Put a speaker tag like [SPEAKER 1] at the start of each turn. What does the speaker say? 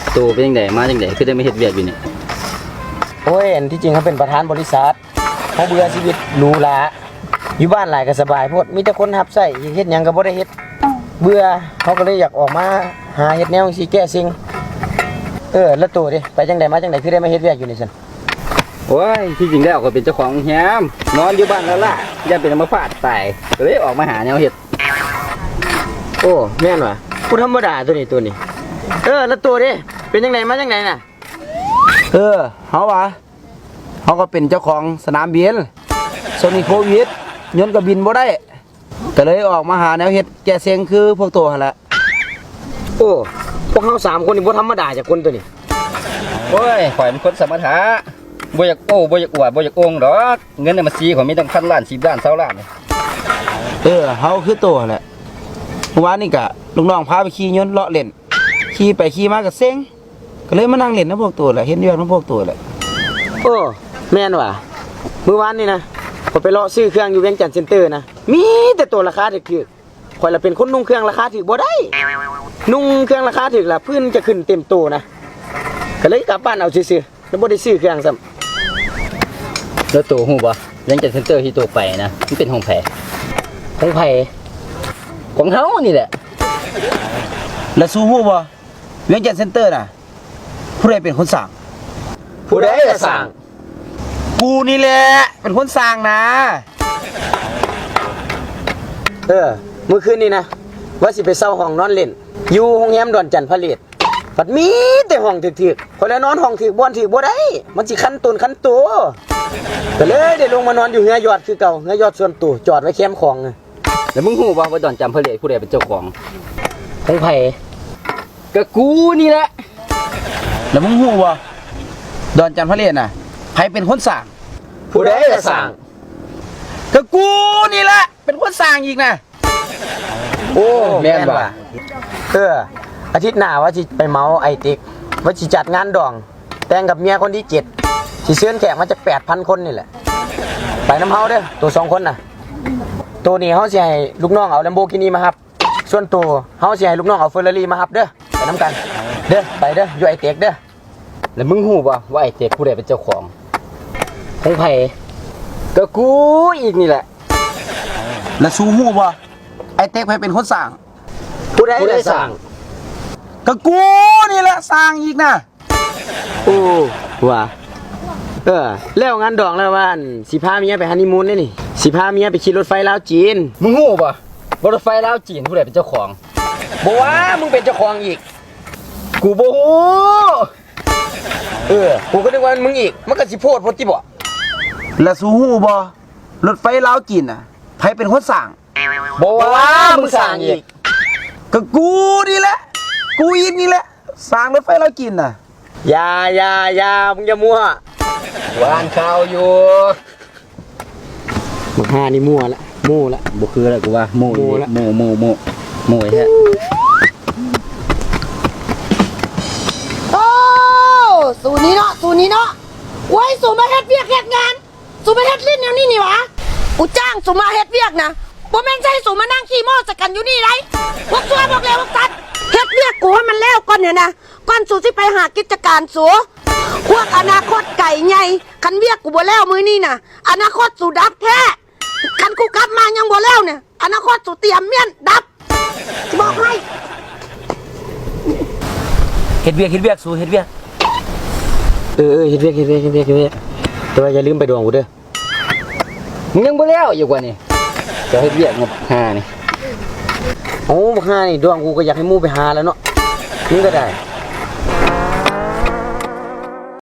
[SPEAKER 1] ตัวเป็นยังไงมาจังไดคือได้มาเฮ็ดเวียกอยู่นี่
[SPEAKER 2] โอ้ยอันที่จริงเขาเป็นประธานบริษัทเขาเบื่อชีวิตหรูหราอยู่บ้านหลายก็สบายโพดมีแต่คนรับใช้เฮ็ดหยังก็บ่ได้เฮ็ดเบื่อเขาก็เลยอยากออกมาหาเฮ็ดแนวสิแก้สิ่งแล้วตัวดิไปจังไดมาจังไดคือได้มาเฮ็ดเวียกอยู่นี่ซั่น
[SPEAKER 1] โอ้ยที่จริงแล้วก็เป็นเจ้าของแฮมนอนอยู่บ้านแล้วล่ะอย่าเป็นอัมพาตตายก็เลยออกมาหาแนวเฮ็ด
[SPEAKER 2] โอ้แม่นว่ะผู้ธรรมดาตัวนี้แล้วตัวดิเป็นจังไดมาจังไดน่ะ
[SPEAKER 3] เขาวะเขาก็เป็นเจ้าของสนามบินโซนิโควิดยนต์ก็บินบ่ได้ก็เลยออกมาหาแนวเฮ็ดแก้เซ็งคือพวกตัวหั่นละ
[SPEAKER 2] โอ้พวกเฮา3คนนี่บ่ธรรมดาจากคนตัวนี้
[SPEAKER 1] โอ้ยข่อยเป็นคนสมถะบ่อยากโอ้บ่อยากอวดบ่อยากโองดอกเงินในบัญชีข่อยมีตั้ง1,000 ล้าน10 ล้าน20 ล้าน
[SPEAKER 3] เขาคือตัวหั่นแหละเมื่อวานนี่ก็ลูกน้องพาไปขี่ยนต์เลาะเล่นขี่ไปขี่มาก็เซ็งก็เลยมานั่งเล่นนำพวกตัวแหละเห็นอยู่นำพวกตัวแหละ
[SPEAKER 2] โอ้แม่นว่ะมื้อวานนี่นะข้อยไปเลาะซื้อเครื่องอยู่เวียงจันทน์เซ็นเตอร์นะมีแต่ตัวราคาถูกๆข่อยละเป็นคนนุ่งเครื่องราคาถูกบ่ได้นุ่งเครื่องราคาถูกล่ะพื้นจะขึ้นเต็มโตนะก็เลยกลับบ้านเอาซื่อๆแล้วบ่ได้ซื้อเครื่องซ้ำ
[SPEAKER 1] แล้วตัวฮู้บ่ยังจัดเซ็นเตอร์ที่ตัวไปนะมันเป็นของแผ
[SPEAKER 2] ของไผ
[SPEAKER 1] ของเฮานี่แหละ
[SPEAKER 3] แล้วสู้ฮู้บ่เวียงจันทน์เซ็นเตอร์น่ะผู้ใดเป็นคนสร้าง
[SPEAKER 2] ผู้ใดจะสร้าง
[SPEAKER 3] กูนี่แหละเป็นคนสร้างนะ
[SPEAKER 2] มื้อคืนนี้นะว่าสิไปเช่าห้องนอนเล่นอยู่โรงแรมดอนจันทร์ผลิตบัดมีแต่ห้องถึกๆข่อยแล้วนอนห้องถึกบ่อนถึกบ่ได้มันสิคันตนคันตัวก็เลยได้ลงมานอนอยู่เฮือยอดคือเก่าเฮือยอดส่วนตัวจอดไว้แคมป์ของ
[SPEAKER 1] แล้วมึงฮู้บ่ว่าดอนจำเพลิดผู้ใดเป็นเจ้าของ
[SPEAKER 2] ไผ
[SPEAKER 1] ก็กูนี่แหละ
[SPEAKER 3] แล้วมึงฮู้บ่ดอนจันทร์ผลิตน่ะใครเป็นคนสร้าง
[SPEAKER 2] ผู้ใดจะสร้าง
[SPEAKER 3] ก็กูนี่แหละเป็นคนสร้างอีกนะ
[SPEAKER 2] โอ้แม่นว่ะอาทิตย์หน้าว่าสิไปเมาไอติ๊กว่าสิจัดงานดองแต่งกับเมียคนที่7สิเชิญแขกมาจาก 8,000 คนนี่แหละไปน้ำเฮาเด้อตัว2คนน่ะตัวนี้เฮาสิให้ลูกน้องเอา Lamborghini มารับส่วนตัวเฮาสิให้ลูกน้องเอา Ferrari มารับเด้อไปนำกันเด้อไปเด้ออยู่ไอติ๊กเด้อ
[SPEAKER 1] แล้วมึงฮู้บ่ว่าไอ้เต็กผู้ใดเป็นเจ้าของ
[SPEAKER 2] ไผ
[SPEAKER 1] ก็กูอีกนี่แหละ
[SPEAKER 3] แล้วสู้ฮู้บ่ไอ้เต็กใครเป็นคนสร้าง
[SPEAKER 2] ผู้ใดจะสร้าง
[SPEAKER 3] ก็กูนี่แหละสร้างอีกนะ
[SPEAKER 2] โอ้ว่ะแล้วงานดองแล้วว่าสิพาเมียไปฮันนีมูนได้นี่สิพาเมียไปขี่รถไฟลาวจีน
[SPEAKER 1] มึงฮู้บ่รถไฟลาวจีนผู้ใดเป็นเจ้าของ
[SPEAKER 2] บ่ว่ามึงเป็นเจ้าของอีก
[SPEAKER 1] กูบ่ฮู้
[SPEAKER 2] กูก็นึกว่ามึงอีกมันก็สิโพดโพดติบ่
[SPEAKER 3] แล้วสู้ฮู้บ่รถไฟลาวจีนน่ะใครเป็นคนสร้าง
[SPEAKER 2] บ่ว่ามึงสร้างอีก
[SPEAKER 3] ก็กูนี่แหละกูอีกนี่แหละสร้างรถไฟลาวจีนน่ะ
[SPEAKER 2] อย่ามึงอย่ามั่ว
[SPEAKER 1] วานข่าวอยู่
[SPEAKER 2] มึงหานี่มั่วละ
[SPEAKER 1] บ่คือแล้วกูว่าโม่ละโม่แท้
[SPEAKER 4] สูนี้เนาะไว้สูมาเฮ็ดเวียกเฮ็ดงานสูมาเฮ็ดลิ้นแนวนี้นี่หวะกูจ้างสูมาเฮ็ดเวียกนะบ่แม่นใช่สูมานั่งขี้โม้สักกันอยู่นี่ไรพวกซัวบอกแล้วพวกตัดเฮ็ดเวียกกูให้มันแล้วก่อนเนี่ยนะก่อนสูสิไปหากิจการสูพวกอนาคตไก่ใหญ่คันเวียกกูบ่แล้วมื้อนี้น่ะอนาคตสูดับแท้คันกูกลับมายังบ่แล้วเนี่ยอนาคตสูเตรียมเมียนดับสิบอกให้
[SPEAKER 3] เฮ็ดเวียกสู้เฮ็ดเวียก
[SPEAKER 2] เฮ็ดเวียกแต่ว่าอย่าลืมไปดวงกูเด้อ
[SPEAKER 1] มึงยังบ่แล้วอยู่กว่านี่จะเฮ็ดเวียกงบ5นี่
[SPEAKER 2] โอ้บ่5นี่ดวงกูก็อยากให้หมู่ไปหาแล้วเนาะนี่ก็ได้